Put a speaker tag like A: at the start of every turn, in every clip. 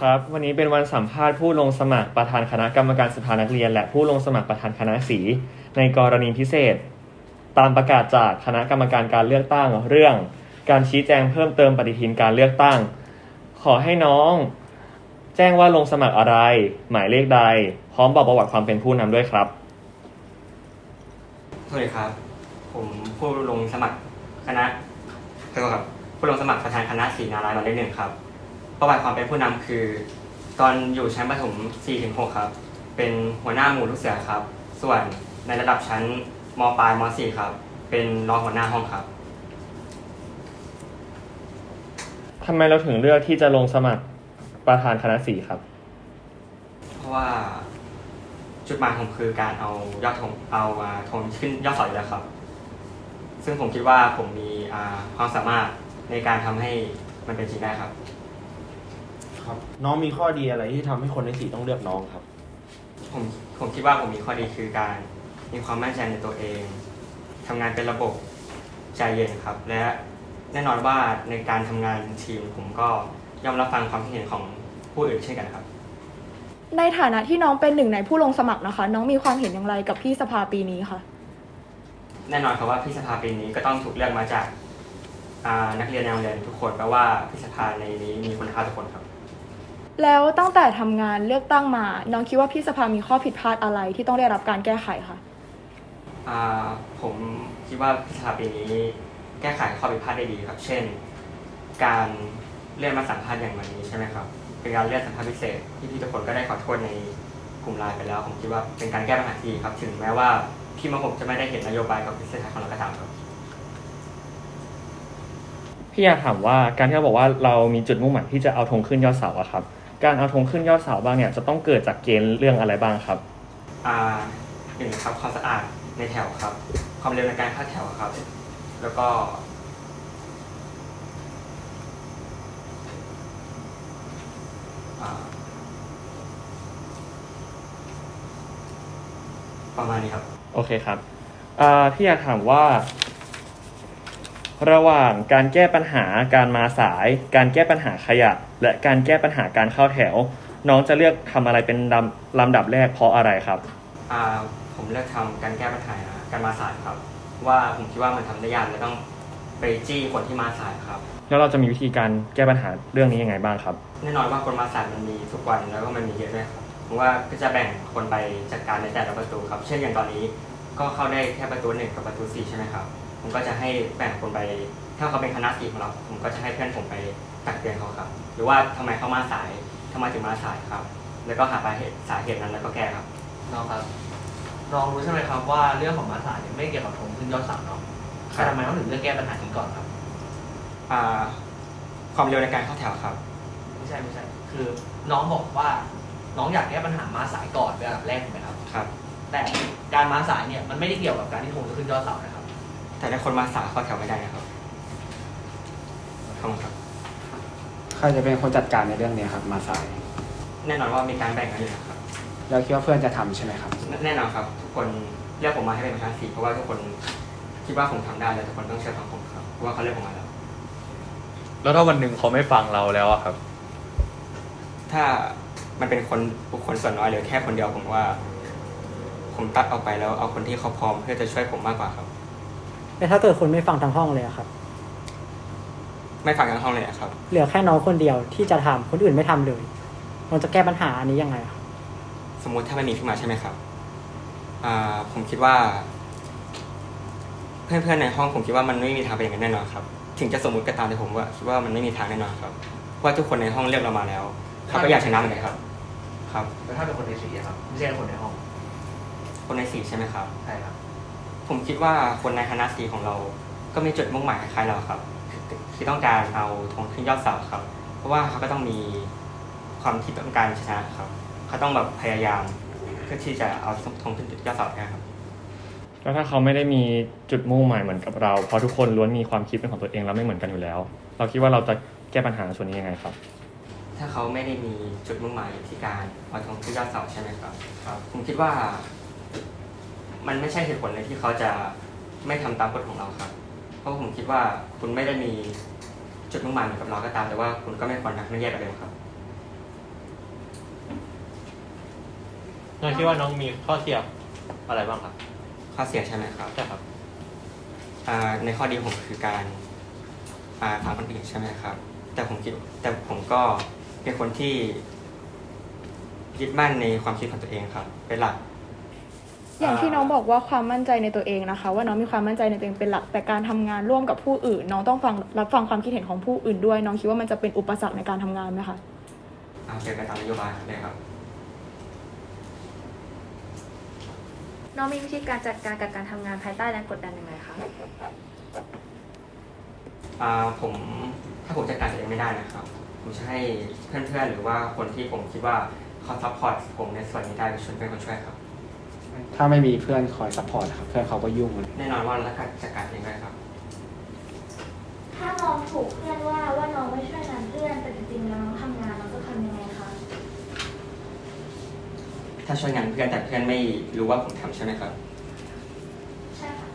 A: ครับวันนี้เป็นวันสัมภาษณ์ผู้ลงสมัครประธานคณะกรรมการสภานักเรียนและผู้ลงสมัครประธานคณะสีในกรณีพิเศษตามประกาศจากคณะกรรมการการเลือกตั้งเรื่องการชี้แจงเพิ่มเติมปฏิทินการเลือกตั้งขอให้น้องแจ้งว่าลงสมัครอะไรหมายเลขใดพร้อมบอกประวัติความเป็นผู้นำด้วยครับ
B: สวัสดีครับผมผู้ลงสมัครคณะครับผู้ลงสมัครประธานคณะศรีนารายณ์หมายเลข 1ครับประวัติความเป็นผู้นำคือตอนอยู่ชั้นประถม 4-6 ครับเป็นหัวหน้าหมู่ลูกเสือครับส่วนในระดับชั้นม.ปลายม.4 ครับเป็นรองหัวหน้าห้องครับ
A: ทำไมเราถึงเลือกที่จะลงสมัครประธานคณะสีครับ
B: เพราะว่าจุดหมายผมคือการเอายอดธงธงขึ้นยอดเสาอยู่แล้วครับซึ่งผมคิดว่าผมมีความสามารถในการทำให้มันเป็นจริงได้ครับ
C: ครับน้องมีข้อดีอะไรที่ทำให้คนในสีต้องเลือกน้องครับ
B: ผมคิดว่าผมมีข้อดีคือการมีความมั่นใจในตัวเองทำงานเป็นระบบใจเย็นครับและแน่นอนว่าในการทำงานทีมผมก็ยอมรับฟังความคิดเห็นของผู้อื่นเช่นกันครับ
D: ในฐานะที่น้องเป็นหนึ่งในผู้ลงสมัครนะคะน้องมีความเห็นอย่างไรกับพี่สภาปีนี้คะ
B: แน่นอนครับว่าพี่สภาปีนี้ก็ต้องถูกเลือกมาจากนักเรียนในโรงเรียนทุกคนแปลว่าพี่สภาในนี้มีคุณภาพทุกคนครับ
D: แล้วตั้งแต่ทำงานเลือกตั้งมาน้องคิดว่าพี่สภามีข้อผิดพลาดอะไรที่ต้องได้รับการแก้ไขคะ
B: ผมคิดว่าพี่สภาปีนี้แก้ไขข้อผิดพลาดได้ดีครับเช่นการเลื่อนมาสัมภาษณ์อย่างวันนี้ใช่ไหมครับเป็นการเลื่อนสัมภาษณ์พิเศษที่พี่ทุกคนก็ได้ขอโทษในกลุ่มไลน์ไปแล้วผมคิดว่าเป็นการแก้ปัญหาที่ครับถึงแม้ว่าพี่มาผมจะไม่ได้เห็นนโยบายกับพิเศษของเราก็ตามครับ
A: พี่อยากถามว่าการที่เราบอกว่าเรามีจุดมุ่งหมายที่จะเอาธงขึ้นยอดเสาอะครับการเอาธงขึ้นยอดเสาบ้างเนี่ยจะต้องเกิดจากเกณฑ์เรื่องอะไรบ้างครับ
B: หนึ่งครับความสะอาดในแถวครับความเร็วในการเข้าแถวครับแล้วก็ประมาณนี้ครับ
A: โอเคครับพี่อยากถามว่าระหว่างการแก้ปัญหาการมาสายการแก้ปัญหาขยะและการแก้ปัญหาการเข้าแถวน้องจะเลือกทำอะไรเป็นลำดับแรกเพราะอะไรครับ
B: ผมเลือกทำการแก้ปัญหาการมาสายครับว่าผมคิดว่ามันทำได้ยากและต้องไปจี้คนที่มาสายครับ
A: แล้วเราจะมีวิธีการแก้ปัญหาเรื่องนี้ยังไงบ้างครับ
B: แน่นอนว่าคนมาสายมันมีทุกวันแล้วก็มันมีเยอะด้วยครับผมว่าก็จะแบ่งคนไปจัดการในแต่ละประตูครับเช่นอย่างตอนนี้ก็เข้าได้แค่ประตู1กับประตู4ใช่ไหมครับผมก็จะให้แบ่งคนไปถ้าเขาเป็นคณะสีของเราผมก็จะให้เพื่อนผมไปตักเตือนเขาครับหรือว่าทำไมเขามาสายทำไมถึงมาสายครับแล้วก็หาสาเหตุนั้นแล้วก็แก้ครับ
E: น้องครับน้องรู้ใช่ไหมครับว่าเรื่องของมาสายไม่เกี่ยวกับธงขึ้นยอดเสาเนาะแต่ทำไมต้องถึงเลือกแก้ปัญหานี้ก่อนครับ
B: ความเร็วในการเข้าแถวครับ
E: ไม่ใช่คือน้องบอกว่าน้องอยากแก้ปัญหามาสายก่อนเป็นอันดับแรกถูกไหมครับ
B: ครับ
E: แต่การมาสายเนี่ยมันไม่ได้เกี่ยวกับการที่ธงจะขึ้นยอดเสานะครับ
B: แต่ถ้าคนมาสายเข้าแถวไม่ได้นะครับครับ
C: ใครจะเป็นคนจัดการในเรื่องนี้ครับมาสาย
B: แน่นอนว่ามีการแบ่งกันอยู่นะครับ
C: แล้วคิดว่าเพื่อนจะทำใช่ไหมครับ
B: แน่นอนครับทุกคนเรียกผมมาให้เป็นประธานสีเพราะว่าทุกคนคิดว่าผมทำได้แล้วทุกคนต้องเชื่อฟังผมครับเพราะว่าเขาเรียกผมมา
A: แล้วถ้าวันหนึ่งเขาไม่ฟังเราแล้วอะครับ
B: ถ้ามันเป็นบุคคลส่วนน้อยหรือแค่คนเดียวผมว่าผมตัดออกไปแล้วเอาคนที่เขาพร้อมเพื่อจะช่วยผมมากกว่าครับ
F: แต่ถ้าเกิดคนไม่ฟังทั้งห้องเลยครับ
B: ไม่ฟังทั้งห้องเลยครับ
F: เหลือแค่น้องคนเดียวที่จะทำคนอื่นไม่ทำเลยเราจะแก้ปัญหาอันนี้ยังไงครับ
B: สมมุติถ้าไม่มีขึ้นมาใช่ไหมครับผมคิดว่าเพื่อนๆในห้องผมคิดว่ามันไม่มีทางเป็นอย่างนั้นแน่นอนครับถึงจะสมมุติก็ตามแต่ผมว่าคิดว่ามันไม่มีทางแน่นอนครับเพราะว่าทุกคนในห้องเลือกเรามาแล้วเขาก็อยากชนะเหมือนกันครับ
E: แล้วถ้าเป็นคนในสีครับไม่ใช่คนในห้อง
B: คนในสีใช่ไหมครับ
E: ใช่ครับ
B: ผมคิดว่าคนในคณะสีของเราก็มีจุดมุ่งหมายคล้ายเราครับที่ต้องการเอาธงขึ้นยอดเสาครับเพราะว่าเขาก็ต้องมีความที่ต้องการชนะครับเขาต้องแบบพยายามเพื่อที่จะเอาธงขึ้นยอดเสาได้ครับ
A: แล้วถ้าเขาไม่ได้มีจุดมุ่งหมายเหมือนกับเราเพราะทุกคนล้วนมีความคิดเป็นของตัวเองแล้วไม่เหมือนกันอยู่แล้วเราคิดว่าเราจะแก้ปัญหาส่วนนี้ยังไงครับ
B: ถ้าเขาไม่ได้มีจุดมุ่งหมายที่การเอาธงขึ้นยอดเสาใช่ไหมครับผมคิดว่ามันไม่ใช่เหตุผลเลยที่เขาจะไม่ทำตามกฎของเราครับเพราะผมคิดว่าคุณไม่ได้มีจุดมุ่งหมายเหมือนกับเราก็ตามแต่ว่าคุณก็ไม่ควรทักไม่แยกกันเลยครับ
G: น้องคิดว่าน้องมีข้อเสียอะไรบ้างครับ
B: ข้อเสียใช่ไหมครับ
G: ใช่ครับ
B: ในข้อดีผมคือการฟังคนอื่นใช่ไหมครับ แต่ผมก็เป็นคนที่ยึดมั่นในความคิดของตัวเองครับ เป็นหลัก
D: อย่างที่น้องบอกว่าความมั่นใจในตัวเองนะคะ ว่าน้องมีความมั่นใจในตัวเองเป็นหลัก แต่การทำงานร่วมกับผู้อื่น น้องต้องรับฟังความคิดเห็นของผู้อื่นด้วย น้องคิดว่ามันจะเป็นอุปสรรคในการทำงานไหมคะ
B: เกี่ยวกับตามนโยบายเลยครับ
H: น้องมีวิธีการจัดการกับการทำงานภายใต้แรงกดดันยังไงคะ
B: ถ้าผมจัดการตัวเองไม่ได้นะครับ ผมจะให้เพื่อนๆหรือว่าคนที่ผมคิดว่าเขาซัพพอร์ตผมในส่วนนี้ได้เป็นคนช่วยครับ
C: ถ้าไม่มีเพื่อนคอยซัพพอร์ตครับเพื่อนเขาก็ยุ่ง
B: แน่นอนว่าเราจัดการเองได้ครับ
H: ถ้าน้องถูกเพื่อนว่าน้องไม่ช่วยงานเพื่อนแต่จริงๆแล้วน้องทำงานน้องจะทำยังไงคะ
B: ถ้าช่วยงานเพื่อนแต่เพื่อนไม่รู้ว่าผมทำใช่ไหมครับ
H: ใช่ค่ะ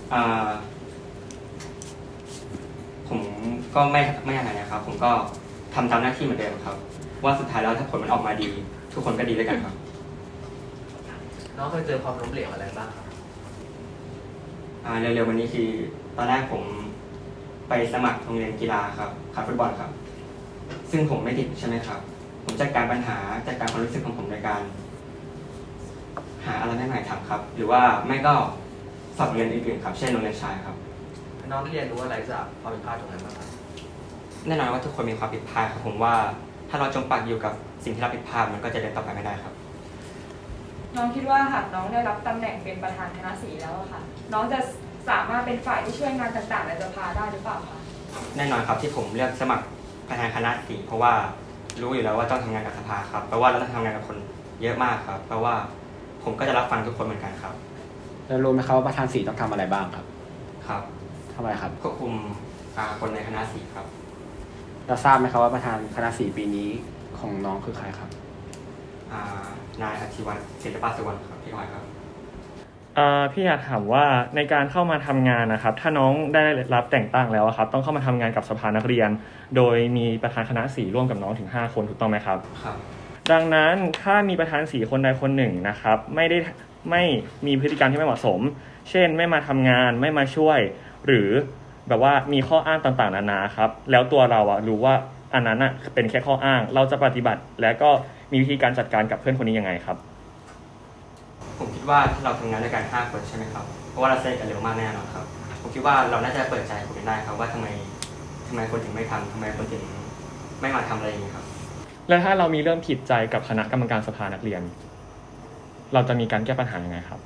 B: ผมก็ไม่อะไรนะครับ ผมก็ทำตามหน้าที่เหมือนเดิมครับ ว่าสุดท้ายแล้วถ้าผลมันออกมาดี ทุกคนก็ดีด้วยกันครับ
E: น้องเคยเจอความล้มเหลวอะไรบ้างครับ
B: เร็วๆวันนี้คือตอนแรกผมไปสมัครโรงเรียนกีฬาครับฟุตบอลครับ ซึ่งผมไม่ติดใช่ไหมครับ ผมจัดการปัญหาจัดการความรู้สึกของผมโดยการ หาอะไรใหม่ๆทำครับ หรือว่าไม่ก็สอบเรียนอื่นๆครับ เช่นโรงเรียนชายครับ
E: น้องเรียนรู้อะไรจากความผิดพลาดตรงนั้นบ้างครับ
B: แน่นอนว่าทุกคนมีความผิดพลาดครับผมว่าถ้าเราจมปักอยู่กับสิ่งที่เราผิดพลาดมันก็จะเดินต่อไปไม่ได้ครับ
I: น้องคิดว่าหากน้องได้รับตำแหน่งเป็นประธานคณะสีแล้วอะค่ะ น้องจะสามารถเป็นฝ่ายที่ช่วยงานต่างๆในสภาได้หรือเปล่าคะ
B: แน่นอนครับที่ผมเลือกสมัครประธานคณะสีเพราะว่ารู้อยู่แล้วว่าต้องทำงานกับสภาครับแปลว่าเราต้องทำงานกับคนเยอะมากครับแปลว่าผมก็จะรับฟังทุกคนเหมือนกันครับ
C: แล้วรู้ไหมครับว่าประธานสีต้องทำอะไรบ้างครับ
B: ครับ
C: ทำอะไรครับ
B: ควบคุมคนในคณะสีครับ
C: เราทราบไหมครับว่าประธานคณะสีปีนี้ของน้องคือใครครับ
B: นายอธิวัฒน์ศิลปะสุวรรณครับพี่ออยครับ
A: พี่อยากถามว่าในการเข้ามาทำงานนะครับ ถ้าน้องได้รับแต่งตั้งแล้วอะครับต้องเข้ามาทำงานกับสภานักเรียน โดยมีประธานคณะสีร่วมกับน้องถึง5คนถูกต้องไหมครับ
B: ครับ
A: ดังนั้นถ้ามีประธานสีคนใดคนหนึ่งนะครับไม่มีพฤติกรรมที่ไม่เหมาะสม เช่นไม่มาทำงานไม่มาช่วย หรือแบบว่ามีข้ออ้างต่างๆนานาครับแล้วตัวเรารู้ว่าอันนั้นเป็นแค่ข้ออ้างเราจะปฏิบัติ และก็มีวิธีการจัดการกับเพื่อนคนนี้ยังไงครับ
B: ผมคิดว่าถ้าเราทำงานด้วยกัน5คนใช่ไหมครับเพราะว่าเราสนิทกันเร็วมากแน่นอนครับผมคิดว่าเราน่าจะเปิดใจคุยกันได้ครับว่าทำไมคนถึงไม่ทำทำไมคนถึงไม่มาทำอะไรอย่างนี้ครับ
A: แล้วถ้าเรามีเรื่องผิดใจกับคณะกรรมการสภานักเรียน เราจะมีการแก้ปัญหายังไงครับ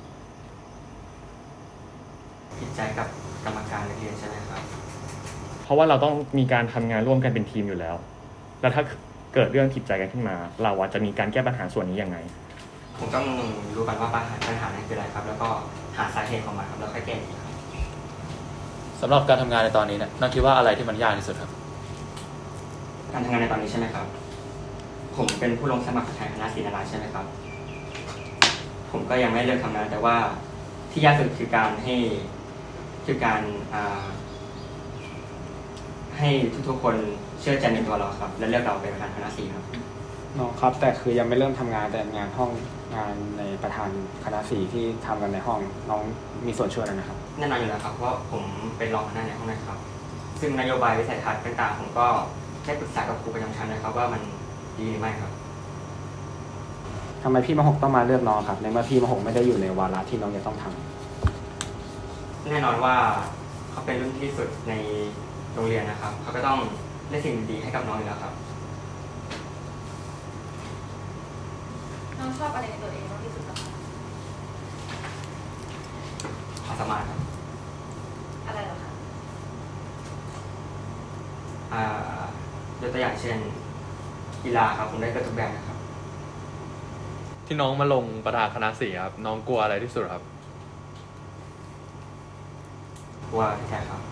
B: ผิดใจกับกรรมการนักเรียนใช่ไหมครับ
A: เพราะว่าเราต้องมีการทำงานร่วมกันเป็นทีมอยู่แล้ว แล้วถ้าเกิดเรื่องผิดใจกันขึ้นมา เราจะมีการแก้ปัญหาส่วนนี้ยังไง
B: ผมต้องรู้ก่อนว่าปัญหานั้นคืออะไรครับ แล้วก็หาสาเหตุของมันครับแล้วค่อยแก้อีกครับ
G: สำหรับการทำงานในตอนนี้เนี่ยน้องคิดว่าอะไรที่มันยากที่สุดครับ
B: การทำงานในตอนนี้ใช่ไหมครับ ผมเป็นผู้ลงสมัครประธานคณะศิลปศาสตร์ใช่ไหมครับ ผมก็ยังไม่เลิกทำงานแต่ว่าที่ยากสุดคือการให้ทุกๆคนเชื่อใจในตัวเราครับ และเลือกเราเป็นประธานคณะศิลป์ครับ
C: น้องครับแต่คือยังไม่เริ่มทำงานแต่งานห้องงานในประธานคณะสีที่ทำกันในห้องน้องมีส่วนช่วยอะไรนะครับ
B: แน่นอนอยู่แล้วครับเพราะผมเป็นรองหัวหน้าในห้องนะครับ ซึ่งนโยบายวิสัยทัศน์ต่างๆผมก็ได้ปรึกษากับครูประจำชั้นนะครับว่ามันดีหรือไม่ครับ
C: ทำไมพี่มหกต้องมาเลือกน้องครับในเมื่อพี่มหกไม่ได้อยู่ในวาระที่น้องจะต้องทำ
B: แน่นอนว่าเขาเป็นรุ่นที่สุดในโรงเรียนนะครับเขาก็ต้องได้สิ่งดีๆให้กับน้องอยู่แล้วครับ
H: น้องชอบอะไรในตัวเองมากที่สุดคะ
B: ความสามารถครับ
H: อะไรเหรอคะ
B: ยกตัวอย่างเช่นกีฬาครับผมได้เกือบทุกแบบนะครับ
G: ที่น้องมาลงประธานคณะสีครับน้องกลัวอะไรที่สุดครับ
B: กลัวพี่แท้ครับ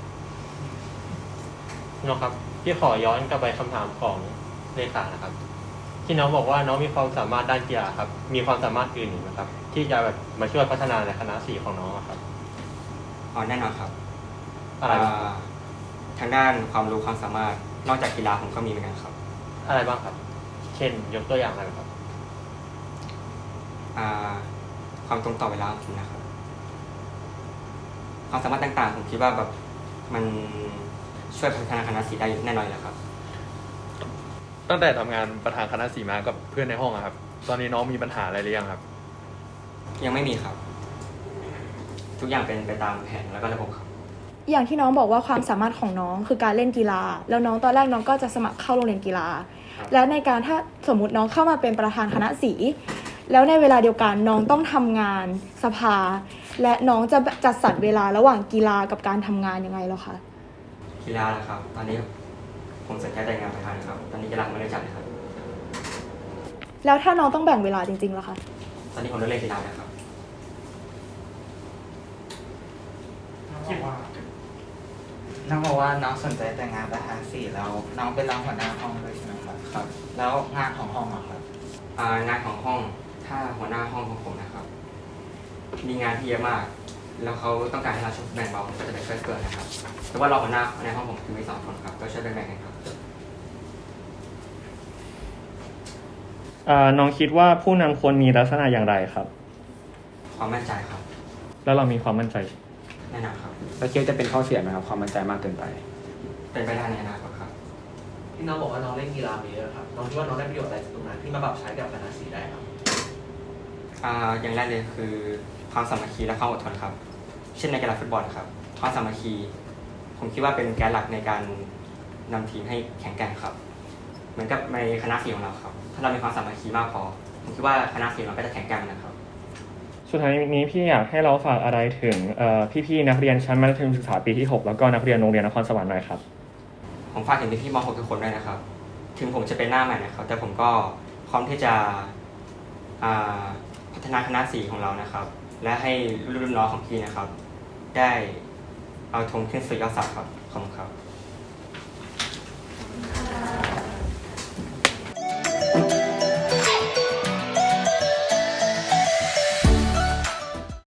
G: น้องครับพี่ขอย้อนกลับไปคำถามของเลขานะครับ ที่น้องบอกว่าน้องมีความสามารถด้านกีฬาครับมีความสามารถอื่นอีกไหมครับที่จะแบบมาช่วยพัฒนาในคณะสีของน้องอะครับ
B: แน่นอนครับ
G: อะไรบ้างครับ
B: ทางด้านความรู้ความสามารถนอกจากกีฬาผมก็มีเหมือนกันครับ
G: อะไรบ้างครับ เช่นยกตัวอย่างอะไรครับ
B: ความตรงต่อเวลาของผมนะครับความสามารถต่างๆผมคิดว่าแบบมันช่วยพัฒนาคณะสีได้แน่นอนแล้วครับ
J: ตั้งแต่ทำงานประธานคณะสีมากับเพื่อนในห้องอะครับ ตอนนี้น้องมีปัญหาอะไรหรือยังครับ
B: ยังไม่มีครับ ทุกอย่างเป็นไปตามแผนแล้วก็ระบบครับ
D: อย่างที่น้องบอกว่าความสามารถของน้องคือการเล่นกีฬา แล้วน้องตอนแรกน้องก็จะสมัครเข้าโรงเรียนกีฬา แล้วในการถ้าสมมติน้องเข้ามาเป็นประธานคณะสีแล้วในเวลาเดียวกันน้องต้องทำงานสภา และน้องจะจัดสรรเวลาระหว่างกีฬากับการทำงานยังไงเหรอคะ
B: กีฬาเหรอครับ ตอนนี้ผมสนใจแต่งานประธานครับ ตอนนี้กีฬาไม่ได้จัดเลยครับ
D: แล้วถ้าน้องต้องแบ่งเวลาจริงๆล่ะคะ
B: ตอนนี้ผมเลิกเล่นกีฬาแล้วครับ
K: น้องบอกว่าน้องสนใจแต่งานประธานสี่แล้วน้องเป็นรองหัวหน้าห้องด้วยใช่ไหมครับ
B: ครับ
K: แล้วงานของห้องอะครับ
B: งานของห้องถ้าหัวหน้าห้องของผมนะครับ มีงานที่เยอะมาก แล้วเขาต้องการให้เราช่วยแบ่งเบาผมก็จะไปช่วยเกินนะครับแต่ว่าเราหัวหน้าในห้องผมคือมี2 คนครับก็ช่วยแบ่งกันครับ
A: น้องคิดว่าผู้นำควรมีลักษณะอย่างไรครับ
B: ความมั่นใจครับ
A: แล้วเรามีความมั่นใจ
B: แน่นอนครับ
C: แล้วคิดว่าจะเป็นข้อเสียไหมครับความมั่นใจมากเกินไป
B: เป็นไปได้ในอนาคตครับ
E: ที่น้องบอกว่าน้องเล่นกีฬามาเยอะครับน้องคิดว่าน้องได้ประโยชน์อะไรจากตรงนั้นที่มาปรับใช้กับคณะสีได้ครับ
B: อย่างแรกเลยคือความสามัคคีและความอดทนครับ เช่นในกีฬาฟุตบอลครับความสามัคคีผมคิดว่าเป็นแกนหลักในการนำทีมให้แข็งแกร่งครับ เหมือนกับในคณะสีของเราครับ ถ้าเรามีความสามัคคีมากพอผมคิดว่าคณะสีของเราก็จะแข็งแกร่งนะครับ
A: สุดท้ายนี้พี่อยากให้เราฝากอะไรถึงพี่ๆนักเรียนชั้นมัธยมศึกษาปีที่ 6 แล้วก็นักเรียนโรงเรียนนครสวรรค์หน่อยครับ
B: ผมฝากถึงพี่ๆม .6 ทุกคนด้วยนะครับ ถึงผมจะเป็นหน้าใหม่นะครับ แต่ผมก็พร้อมที่จะพัฒนาคณะสีของเรานะครับ และให้รุ่นน้องของพี่นะครับ ได้เอาธงขึ้นสู่ยอดเสาครับขอบคุณครับ